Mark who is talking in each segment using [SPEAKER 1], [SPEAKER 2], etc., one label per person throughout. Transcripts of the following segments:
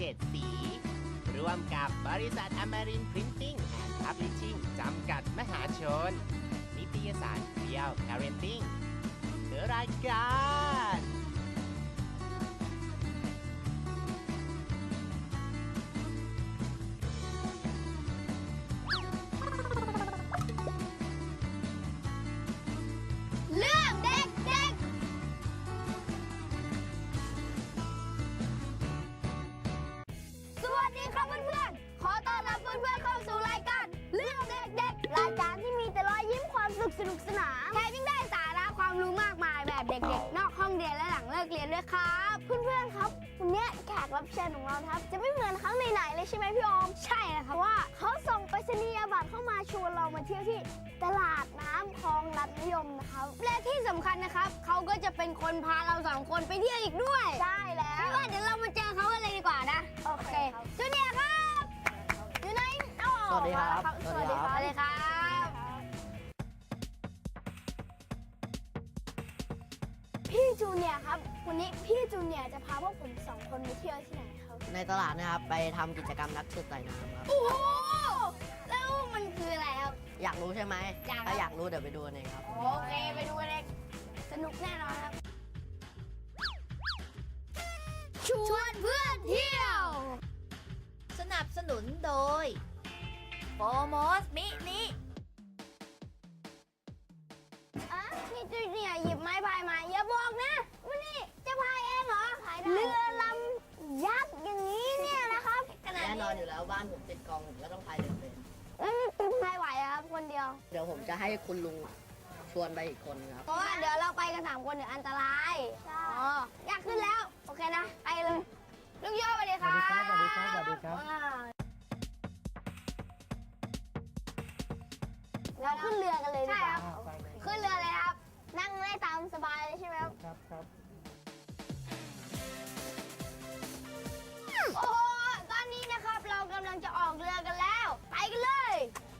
[SPEAKER 1] 7 สี ร่วมกับบริษัทอมรินทร์พรินติ้งแอนด์พับลิชชิ่งจำกัดมหาชน นิตยสารเรียวพาเรนติ้งรายการ
[SPEAKER 2] เรื่องเด็กๆ สวัสดีครับเพื่อนๆ ขอต้อนรับเพื่อนๆเข้าสู่รายการเรื่องเด็กๆ รายการที่มีแต่รอยยิ้มความสุขสนุกสนานแถมยังได้สาระความรู้มากมายแบบเด็กๆ นอกห้องเรียนและหลังเลิกเรียนด้วยครับ เพื่อนๆ ครับวันนี้แขกรับเชิญของเราครับจะไม่เหมือนครั้งไหนๆเลยใช่ไหมพี่ออม ใช่นะครับว่าเขาส่งไปรษณียบัตรเข้ามาชวนเรามาเที่ยวที่ตลาดน้ำคลองรัตนิยมนะครับและที่สำคัญนะครับเขาก็จะเป็นคนพาเราสองคนไปเที่ยวอีกด้วยใช่แล้วไม่ว่าเดี๋ยวเรามาเจอเขากันเลยดีกว่านะโอเคจูเนียร์ครับอยู่ไหน
[SPEAKER 3] สวัสดีครับ
[SPEAKER 2] สวัสดีครับสวัสดีครับพี่จูเนียร์ครับวันนี้พี่จูเนียร์จะพาพวกผมสองคนไปเที่ยวที่ไหนครับ
[SPEAKER 3] ในตลาดนะครับไปทำกิจกรรมนักสืบสายน้ำครับ
[SPEAKER 2] โอ้โหแล้วมันคืออะไรครับ
[SPEAKER 3] อยากรู้ใช่ไหม
[SPEAKER 2] อยากครับ
[SPEAKER 3] ถ้าอยากรู้เดี๋ยวไปดูกันเองครับ
[SPEAKER 2] โอเคไปดูกันเลยสนุกแน่นอนครับชวนเพื่อนเที่ยว
[SPEAKER 4] สนับสนุนโดยโฟมอสมินิ
[SPEAKER 2] พี่จูเนียร์หยิบไม้พายมาอย่าบอกนะว่านี่จะพายเองเหรอเรือลำยักษ์อย่างนี้เนี่ยนะครับขนาด
[SPEAKER 3] แน่น
[SPEAKER 2] นี้
[SPEAKER 3] อนอยู่แล้วบ้านผมติดกองผมก็ต้องพายเรือเป็น
[SPEAKER 2] พายไหวอะครับคนเดียว
[SPEAKER 3] เดี๋ยวผมจะให้คุณลุงชวนไปอีกคนครับ
[SPEAKER 2] เพราะว่าเดี๋ยวเราไปกัน3 คนเดี๋ยวอันตรายอ๋ออยากขึ้นแล้วโอเคนะไปเลยลุงโยสวัสดีครับ
[SPEAKER 5] สวัสดีครับสวัสดีครับ
[SPEAKER 2] เราขึ้นเรือกันเลยดีกว่า
[SPEAKER 5] ไปเลย
[SPEAKER 2] ขึ้นเรือเลยครับ นั่งได้ตามสบายเลยใช่ไหมครับ
[SPEAKER 5] ครับครับ
[SPEAKER 2] โอ้โหตอนนี้นะครับเรากำลังจะออกเรือกันแล้ว ไปกันเลย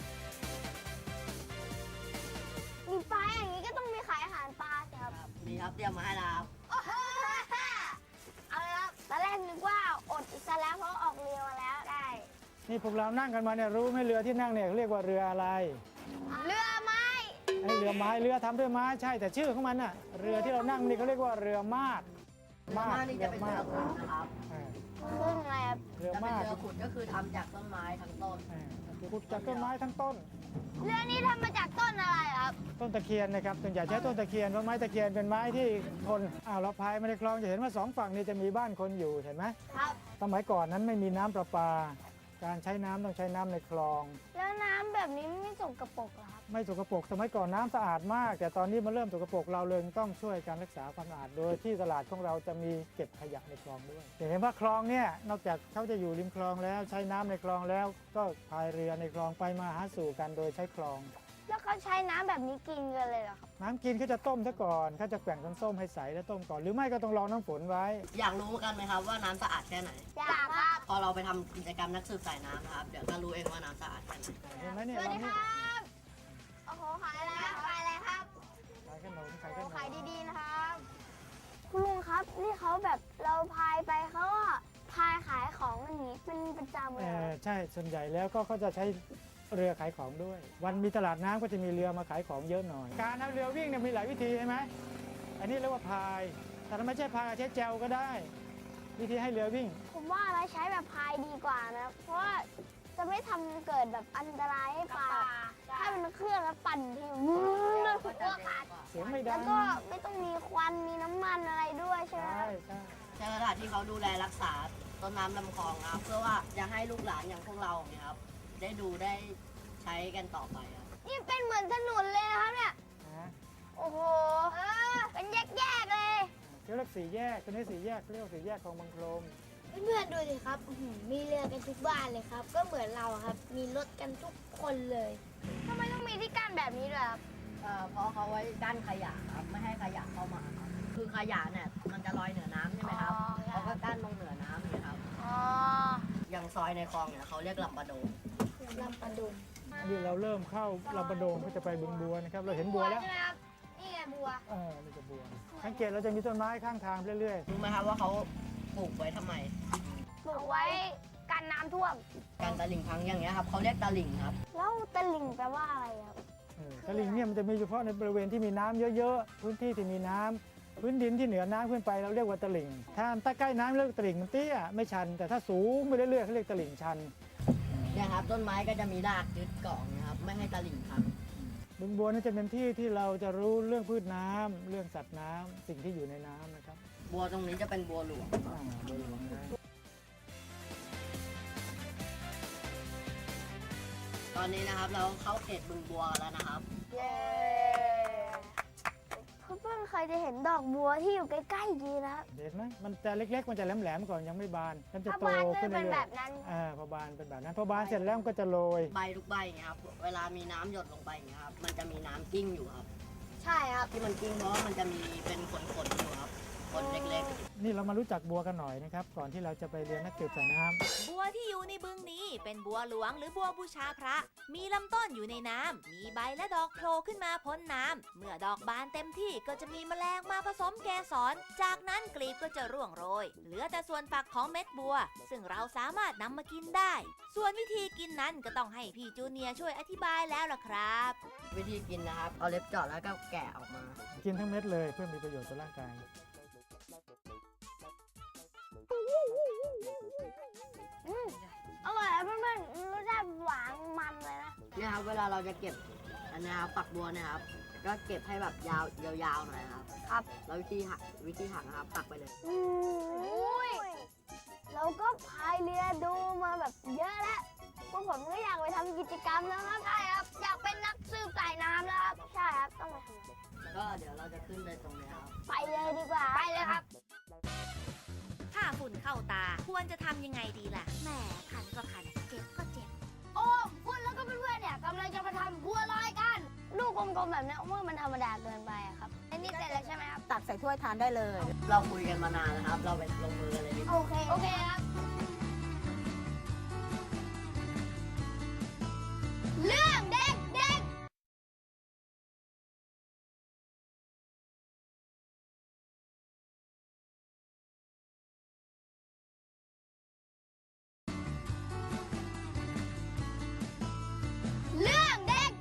[SPEAKER 2] มีปลาอย่างนี้ก็ต้องมีขายอาหารปลาสิครับ
[SPEAKER 3] นี่ครับเตรียมมาให้แล้วครับ
[SPEAKER 2] โอ้โหเอาเลยครับตอนแรกนึกว่าอดซะแล้วเพราะออกเรือมาแล้วได้
[SPEAKER 5] นี่พวกเรานั่งกันมาเนี่ยรู้ไหมเรือที่นั่งเนี่ยเรียกว่าเรืออะไร
[SPEAKER 2] เรือไม้
[SPEAKER 5] ไอ้เรือไม้เรือทำด้วยไม้ใช่แต่ชื่อของมันน่ะเรือที่เรานั่งนี่เขาเรียกว่าเรือมาด
[SPEAKER 3] มานี่จะเป็นเรือขุดนะครับ
[SPEAKER 5] อ่า
[SPEAKER 2] ครึ่งอะไรครับ
[SPEAKER 5] เรือ
[SPEAKER 3] จะเป็น
[SPEAKER 5] มาด
[SPEAKER 3] เรือขุดก็คือทำจากต้นไม้ทั้งต้น
[SPEAKER 5] ขุดจากต้นไม้ทั้งต้น
[SPEAKER 2] เรือนี้ทำมาจากต้นอะไรครับ
[SPEAKER 5] ต้นตะเคียนนะครับส่วนใหญ่ใช้ต้นตะเคียนเพราะไม้ตะเคียนเป็นไม้ที่ทนเราพายมาในคลองจะเห็นว่าสองฝั่งนี้จะมีบ้านคนอยู่เห็นไหม
[SPEAKER 2] ครับ
[SPEAKER 5] สมัยก่อนนั้นไม่มีน้ำประปา การใช้น้ำต้องใช้น้ำในคลอง
[SPEAKER 2] แล้วน้ำแบบนี้ไม่สกปรกเหรอครับ
[SPEAKER 5] ไม่สกปรกสมัยก่อนน้ำสะอาดมาก แต่ตอนนี้มันเริ่มสกปรกเราเลยต้องช่วยการรักษาความสะอาดโดยที่ตลาดของเราจะมีเก็บขยะในคลองด้วยเห็นว่าคลองเนี่ยนอกจากเขาจะอยู่ริมคลองแล้วใช้น้ำในคลองแล้ว ก็พายเรือในคลองไปมาหาสู่กันโดยใช้คลอง
[SPEAKER 2] แล้วเขาใช้น้ำแบบนี้กินกันเลยเหรอครับ
[SPEAKER 5] น้ำกินเขาจะต้มซะก่อนเขาจะแกว่งน้ำส้มให้ใสแล้วต้มก่อนหรือไม่ก็ต้องรอน้ำฝนไว้
[SPEAKER 3] อยากรู้กันไหมครับว่าน้ำสะอาดแค่ไหน
[SPEAKER 2] อยากครับ
[SPEAKER 3] พอเราไปทำกิจกรรมนักสืบสายน้ำนะครับเดี๋ยวก็รู้เองว่าน้ำสะอาดแค่ไหน
[SPEAKER 5] เห็นไหมเนี่ย
[SPEAKER 2] สวัส
[SPEAKER 5] เรา
[SPEAKER 2] ดีค
[SPEAKER 5] นี่
[SPEAKER 2] รับ โอ้โห ขายอะไรครับขายอะไรครับ
[SPEAKER 5] ขายขนมขายข
[SPEAKER 2] โอ้
[SPEAKER 5] นม
[SPEAKER 2] ขายดีๆนะครับ คุณลุงครับ นี่เขาแบบเราพายไปเขาก็พายขายของอย่างนี้เป็นประจำเลยเหรอ
[SPEAKER 5] ใช่ส่วนใหญ่แล้วก็เขาจะใช้เรือขายของด้วย วันมีตลาดน้ำก็จะมีเรือมาขายของเยอะหน่อย การเอาเรือวิ่งเนี่ยมีหลายวิธีใช่ไหมอันนี้เรียกว่าพาย แต่ถ้าไม่ใช่พายใช้แจวก็ได้ วิธีให้เรือวิ่ง
[SPEAKER 2] ผมว่านะใช้แบบพายดีกว่านะ เพราะว่าจะไม่ทำเกิดแบบอันตรายให้ปลา ถ้าเป็นเครื่องแล้วปั่นทีแล้วหัวขาด
[SPEAKER 5] เสียงไม่ดั
[SPEAKER 2] แล้ว
[SPEAKER 5] ง
[SPEAKER 2] ก็ไม่ต้องมีควันมีน้ำมันอะไรด้วยใช่ไหม
[SPEAKER 5] ใช่
[SPEAKER 2] ครับ
[SPEAKER 5] ใช่
[SPEAKER 3] ใช่สถานที่เขาดูแลรักษาต้นน้ำลำคลองนะครับเพื่อว่าจะให้ลูกหลานอย่างพวกเราเนี่ยครับได้ดูได้ใช้กันต่อไปครับ
[SPEAKER 2] นี่เป็นเหมือนถนนเลยนะครับเนี่ย
[SPEAKER 5] นะ
[SPEAKER 2] โอ้โหเป็นแยกๆเลย
[SPEAKER 5] เรียกสี่แยกตัวนี้สี่แยกเรียกว่าสี่แยกของบางโคลม
[SPEAKER 2] เพื่อนๆดูสิครับมีเรือกันทุกบ้านเลยครับ ก็เหมือนเราครับ มีรถกันทุกคนเลยทำไมต้องมีที่กั้นแบบนี้ด้วยครับ
[SPEAKER 3] เพราะเขาไว้กั้นขยะครับไม่ให้ขยะเข้ามาครับคือขยะเนี่ยมันจะลอยเหนือน้ำใช่ไหมครับ
[SPEAKER 2] อ๋อครับ
[SPEAKER 3] เขาก็กั้นตรงเหนือน้ำนี่ครับ
[SPEAKER 2] อ๋อ
[SPEAKER 3] อย่างซอยในคลองเนี่ยเขาเรียกลำปะโดง
[SPEAKER 2] ลำปะดุง
[SPEAKER 5] นี่เราเริ่มเข้าลำปะโดงก็จะไปบึงบัวนะครับเราเห็นบัวแล้ว
[SPEAKER 2] ใช่ไหมครับนี่ไงบัว
[SPEAKER 5] นี่ก็บัวสังเกตเราจะมีต้นไม้ข้างทางเรื่อย
[SPEAKER 3] รู้ไหมครับว่าเขาปลูกไว้ทำไม
[SPEAKER 5] ๆ
[SPEAKER 2] ปลูกไว้กันน้ำท่วม
[SPEAKER 3] การตลิ่งพังอย่างเงี้ยครับเขาเรียกตลิ่งครับ
[SPEAKER 2] แล้วตะลิ่งแปลว่าอะไรครับ
[SPEAKER 5] ตลิ่งเนี่ยมันจะมีเฉพาะในบริเวณที่มีน้ำเยอะๆ พื้นที่ที่มีน้ำพื้นดินที่เหนือน้ำขึ้นไปเราเรียกว่าตลิ่ง ถ้าใกล้น้ำเรียกว่าตลิ่งมันเตี้ยไม่ชัน แต่ถ้าสูงไปเรื่อยๆเขาเรียกตลิ่งชัน
[SPEAKER 3] เนี่ยครับต้นไม้ก็จะมีรากยึดเกาะนะครับไม่ให้ตลิ่งพัง
[SPEAKER 5] บึงบัวนั่นจะเป็นที่ที่เราจะรู้เรื่องพืชน้ำเรื่องสัตว์น้ำสิ่งที่อยู่ในน้ำนะครับ
[SPEAKER 3] บัวตรงนี้จะเป็นบัวหลวง
[SPEAKER 5] บัวหลวงนะ
[SPEAKER 3] ตอนนี้นะครับเราเข้าเขตบึงบัวแล้วนะครับ
[SPEAKER 2] เย้เพื่อนๆเคยจะเห็นดอกบัวที่อยู่ใกล้ๆดีนะครับ
[SPEAKER 5] เห็นไหมมันจะเล็กๆ มันจะแหลมๆก่อนยังไม่บาน มันจะ
[SPEAKER 2] ถ้า
[SPEAKER 5] โต
[SPEAKER 2] บานก็
[SPEAKER 5] ขึ้น
[SPEAKER 2] เป็น
[SPEAKER 5] เรื่
[SPEAKER 2] แบ
[SPEAKER 5] อย
[SPEAKER 2] บนั้น
[SPEAKER 5] ๆพอบานเป็นแบบนั้นพอบานเสร็จแล้วมันก็จะโรย
[SPEAKER 3] ใบทุกใบอย่างเงี้ยครับเวลามีน้ำหยดลงไปอย่างเงี้ยครับมันจะมีน้ำกิ้งอยู่ครับ
[SPEAKER 2] ใช่ครับ
[SPEAKER 3] ที่มันกิ้งเพราะว่ามันจะมีเป็นขนๆอยู่ครับขนเล็ก
[SPEAKER 5] นี่เรามารู้จักบัวกันหน่อยนะครับก่อนที่เราจะไปเรียนนักสืบสายน้ำ
[SPEAKER 4] บัวที่อยู่ในบึงนี้เป็นบัวหลวงหรือบัวบูชาพระ มีลำต้นอยู่ในน้ำ มีใบและดอกโผล่ขึ้นมาพ้นน้ำ เมื่อดอกบานเต็มที่ก็จะมีแมลงมาผสมเกสร จากนั้นกลีบก็จะร่วงโรย เหลือแต่ส่วนฝักของเม็ดบัว ซึ่งเราสามารถนำมากินได้ ส่วนวิธีกินนั้นก็ต้องให้พี่จูเนียร์ช่วยอธิบายแล้วล่ะครับ
[SPEAKER 3] ๆ วิธีกินนะครับเอาเล็บเจาะแล้วก็แกะออกมา
[SPEAKER 5] กินทั้งเม็ดเลยเพื่อมีประโยชน์ต่อร่างกาย
[SPEAKER 2] อร่อยครับเพื่อนๆรสชาติหวานมันเลยนะ
[SPEAKER 3] เนี่ยครับเวลาเราจะเก็บอันเนี้ยครับฝักบัวเนี่ยครับก็เก็บให้แบบยาวๆหน่อยนะครับ
[SPEAKER 2] ครับ
[SPEAKER 3] แล้ววิธีหักนะครับตักไปเลย
[SPEAKER 2] เราก็พายเรือดูมาแบบเยอะแล้วพวกผมก็อยากไปทำกิจกรรมแล้วครับใช่ครับ อยากเป็นนักสืบสายน้ำแล้วครับ ใช่ครับ ต้องไปทำ
[SPEAKER 3] ก็เดี๋ยวเราจะขึ้นไปตรงนี้ครับ
[SPEAKER 2] ไปเลยดีกว่า ไปเลยครับ
[SPEAKER 4] ถ้าฝุ่นเข้าตาควรจะทำยังไงดีล่ะแหมคันก็คันเจ็บก็เจ็บ
[SPEAKER 2] โอ้คุณแล้วก็เพื่อนๆเนี่ยกำลังจะมาทำบัวลอยกัน ลูกกลมๆแบบเนี้ยว่ามันธรรมดาเกินไปอะครับอันนี้เสร็จแล้วใช่ไหมครับ
[SPEAKER 6] ตักใส่ถ้วยทานได้เลย
[SPEAKER 3] เราคุยกันมานานนะครับ เราไปลงมือกันเลยดีกว่า
[SPEAKER 2] โอเค โอเคครับ เรื่องเด็กเรื่องเด็ก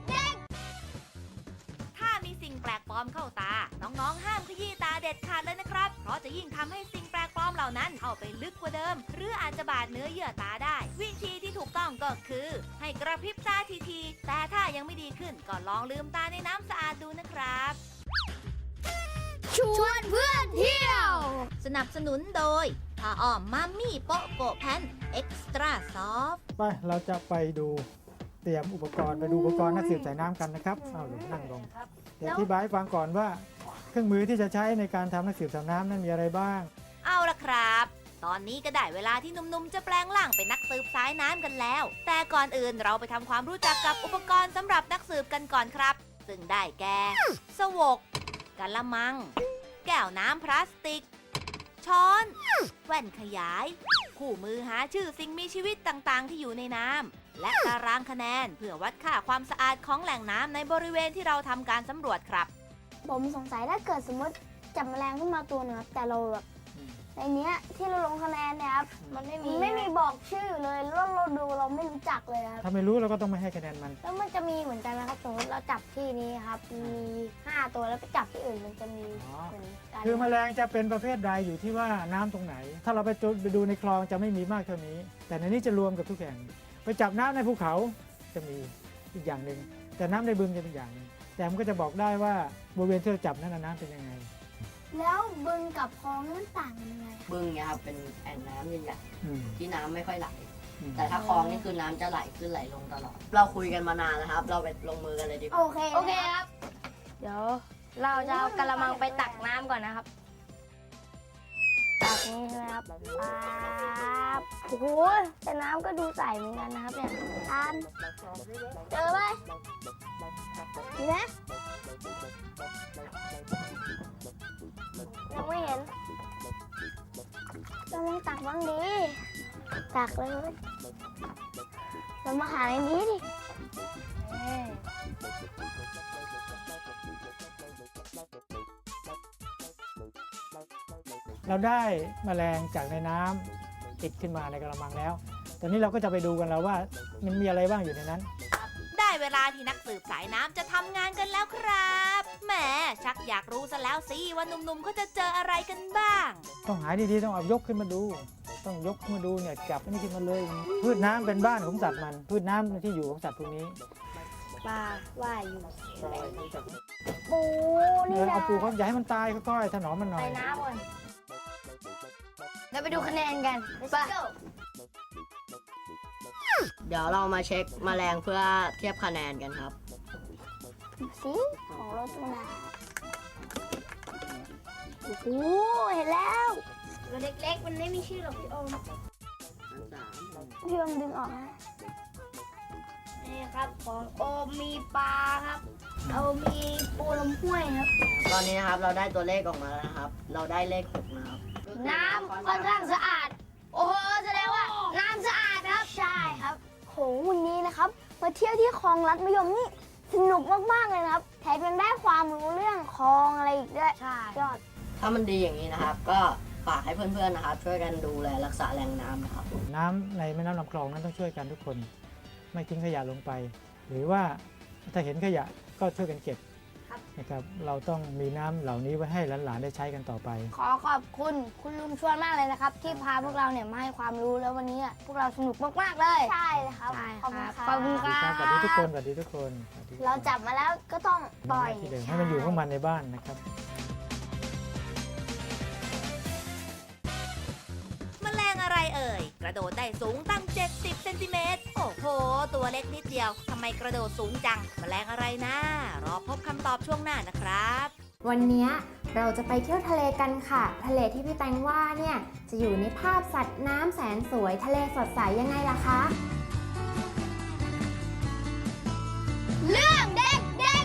[SPEAKER 4] ถ้ามีสิ่งแปลกปลอมเข้าตา น้องๆ ห้ามขยี้ตาเด็ดขาดเลยนะครับ เพราะจะยิ่งทำให้สิ่งแปลกปลอมเหล่านั้นเข้าไปลึกกว่าเดิม หรืออาจจะบาดเนื้อเยื่อตาได้ วิธีที่ถูกต้องก็คือ ให้กระพริบตาทีๆ แต่ถ้ายังไม่ดีขึ้นก็ลองลืมตาในน้ำสะอาดดูนะครับ
[SPEAKER 2] ชวนเพื่อนเที่ยว
[SPEAKER 4] สนับสนุนโดยผ้าอ้อมมัมมี่โปะโกะแพนเอ็กซ์ตร้าซอฟ
[SPEAKER 5] ไปเราจะไปดูเตรียมอุปกรณ์ไปดูอุปกรณ์นักสืบสายน้ำกันนะครับเอาลงนั่งลงเดี๋ยวอธิบายให้ฟังก่อนว่าเครื่องมือที่จะใช้ในการทำนักสืบสายน้ำนั้นมีอะไรบ้าง
[SPEAKER 4] เอาละครับ ตอนนี้ก็ได้เวลาที่หนุ่มๆ จะแปลงร่างเป็นนักสืบสายน้ำกันแล้ว แต่ก่อนอื่นเราไปทำความรู้จักกับอุปกรณ์สำหรับนักสืบกันก่อนครับ ซึ่งได้แก่ สวกกะละมัง แก้วน้ำพลาสติก ช้อน แว่นขยาย คู่มือหาชื่อสิ่งมีชีวิตต่างๆ ที่อยู่ในน้ำ และตารางคะแนนเพื่อวัดค่าความสะอาดของแหล่งน้ำในบริเวณที่เราทำการสำรวจครับ
[SPEAKER 2] ผมสงสัยถ้าเกิดสมมติจับแมลงขึ้นมาตัวหนึงครับแต่เราแบบในเนี้ยที่เราลงคะแนนเนี่ยครับมันไม่มีบอกชื่อเลยแล้วเราดูเราไม่รู้จักเลยครับ
[SPEAKER 5] ถ้าไม่รู้เราก็ต้องไม่ให้คะแนนมัน
[SPEAKER 2] แล้วมันจะมีเหมือนกันนะครับสมมติเราจับที่นี้ครับมี5ตัวแล้วไปจับที่อื่นมันจะมีเหมือนกัน
[SPEAKER 5] คือแมลงจะเป็นประเภทใดอยู่ที่ว่าน้ำตรงไหน ถ้าเราไปดูในคลองจะไม่มีมากเท่านี้ แต่ในนี้จะรวมกับทุกแห่งไปจับน้ำในภูเขาจะมีอีกอย่างหนึ่งแต่น้ำในบึงจะเป็นอย่างหนึงแต่มันก็จะบอกได้ว่าบริเวณที่เราจับนั้นนะน้ำเป็นยังไง
[SPEAKER 2] แล้วบึงกับคลองนี่มันต่างกันยังไงครับ
[SPEAKER 3] บึงเนี่ยครับเป็นแอ่งน้ำใหญ่
[SPEAKER 5] อืม
[SPEAKER 3] ๆที่น้ำไม่ค่อยไหล
[SPEAKER 5] อืม
[SPEAKER 3] แต่ถ้าคลองนี่คือน้ำจะไหลขึ้นไหลลงตลอด เราคุยกันมานานนะครับ เราไปลงมือกันเลยดีกว่า
[SPEAKER 2] โอเคครับ เดี๋ยวเราจะเอากระมังไปตักน้ำก่อนนะครับ ตักนี้ใช่ไหมครับปั๊บโอ้โหแต่น้ำก็ดูใสเหมือนกันนะครับเนี่ยทานเจอไหมเห็นไหมยังไม่เห็นเราลองตักบ้างดิตักเลยเรามาหาในนี้ดิเอ้ย
[SPEAKER 5] เราได้แมลงจากในน้ำติดขึ้นมาในกระมังแล้ว ตอนนี้เราก็จะไปดูกันแล้วว่ามันมีอะไรบ้างอยู่ในนั้น
[SPEAKER 4] ได้เวลาที่นักสืบสายน้ำจะทำงานกันแล้วครับแหมชักอยากรู้ซะแล้วสิว่าหนุ่มๆเขาจะเจออะไรกันบ้าง
[SPEAKER 5] ต้องหาดีๆต้องเอายกขึ้นมาดู ต้องยกขึ้นมาดูเนี่ยจับอันนี้ขึ้นมาเลย พืชน้ำเป็นบ้านของสัตว์มันพืชน้ำที่อยู่ของสัตว์พวกนี้
[SPEAKER 2] ปลาว่ายอยู่ปูนี่นะ
[SPEAKER 5] เอาปูเขาอย่าให้มันตายค่อยๆถนอมมันหน่อ
[SPEAKER 2] ใส่
[SPEAKER 5] ย
[SPEAKER 2] น้ำก่อนเราไปดูคะแนนกันไป
[SPEAKER 3] เดี๋ยวเรามาเช็คแมลงเพื่อเทียบคะแนนกันครับ
[SPEAKER 2] สีของรสนาโอ้โหเห็นแล้วตัวเล็กๆมันไม่มีชื่อหรอกพี่โอมพี่โอมดึงออกนะนี่ครับของโอมมีปลาครับเอามีปูลำห้วยครับ
[SPEAKER 3] ตอนนี้นะครับเราได้ตัวเลขออกมาแล้วนะครับ เราได้เลข 6 นะครับ
[SPEAKER 2] น้ำค่อนข้างสะอาด โอ้โหแสดงว่าน้ำสะอาดครับใช่ครับโหวันนี้นะครับมาเที่ยวที่คลองลัดมะยมนี่สนุกมากๆเลยนะครับแถมยังได้ความรู้เรื่องคลองอะไรอีกด้วยใช่ยอด
[SPEAKER 3] ถ้ามันดีอย่างนี้นะครับ ก็ฝากให้เพื่อนๆนะครับ ช่วยกันดูแลรักษาแหล่งน้ำนะครับ
[SPEAKER 5] น้ำในแม่น้ำลำคลองนั้นต้องช่วยกันทุกคน ไม่ทิ้งขยะลงไป หรือว่าถ้าเห็นขยะก็ช่วยกันเก็บนะครับเราต้องมีน้ำเหล่านี้ไว้ให้หลานๆได้ใช้กันต่อไป
[SPEAKER 2] ขอขอบคุณคุณลุงชวนมากเลยนะครับ ที่พาพวกเราเนี่ยมาให้ความรู้แล้ววันนี้พวกเราสนุกมากๆเลยใช่เลยครับขอบคุณครับขอบคุณครับ
[SPEAKER 5] สวัสดีทุกคนสวัสดีทุกคน
[SPEAKER 2] เราจับมาแล้วก็ต้องปล่อย
[SPEAKER 5] ที่เดิมให้มันอยู่ของมันในบ้านนะครับ
[SPEAKER 4] แมลงอะไรเอ่ย กระโดดได้สูงตั้ง 70 เซนติเมตร โอ้โห ตัวเล็กนิดเดียว ทำไมกระโดดสูงจัง แมลงอะไรนะ รอพบคำตอบช่วงหน้านะครับ
[SPEAKER 6] วันนี้เราจะไปเที่ยวทะเลกันค่ะ ทะเลที่พี่แตงว่าเนี่ยจะอยู่ในภาพสัตว์น้ำแสนสวย ทะเลสดใสยังไงล่ะคะ
[SPEAKER 2] เรื่องเด็กเด็ก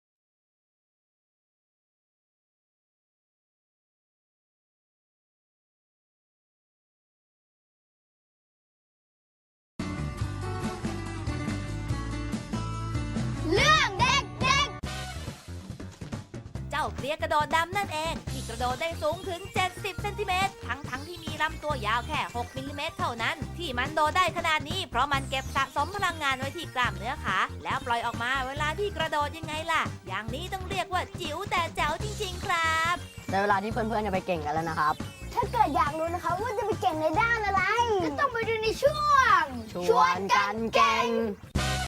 [SPEAKER 2] เรื่องเด็กเด็ก
[SPEAKER 4] เจ้าเพลียกระโดดดำนั่นเอง ที่กระโดดได้สูงถึง 70 เซนติเมตร ทั้งที่มีลำตัวยาวแค่ 6 มิลลิเมตรเท่านั้น ที่มันโดดได้ขนาดนี้เพราะมันเก็บสะสมพลังงานไว้ที่กล้ามเนื้อขา แล้วปล่อยออกมาเวลาที่กระโดดยังไงล่ะ อย่างนี้ต้องเรียกว่าจิ๋วแต่แจ๋วจริงๆครับ
[SPEAKER 3] ได้เวลาที่เพื่อนๆจะไปเก่งกันแล้วนะครับ
[SPEAKER 2] ถ้าเกิดอยากรู้นะคะว่าจะไปเก่งในด้านอะไร ก็ต้องไปดูในช่วง
[SPEAKER 3] ชวนกันเก่ง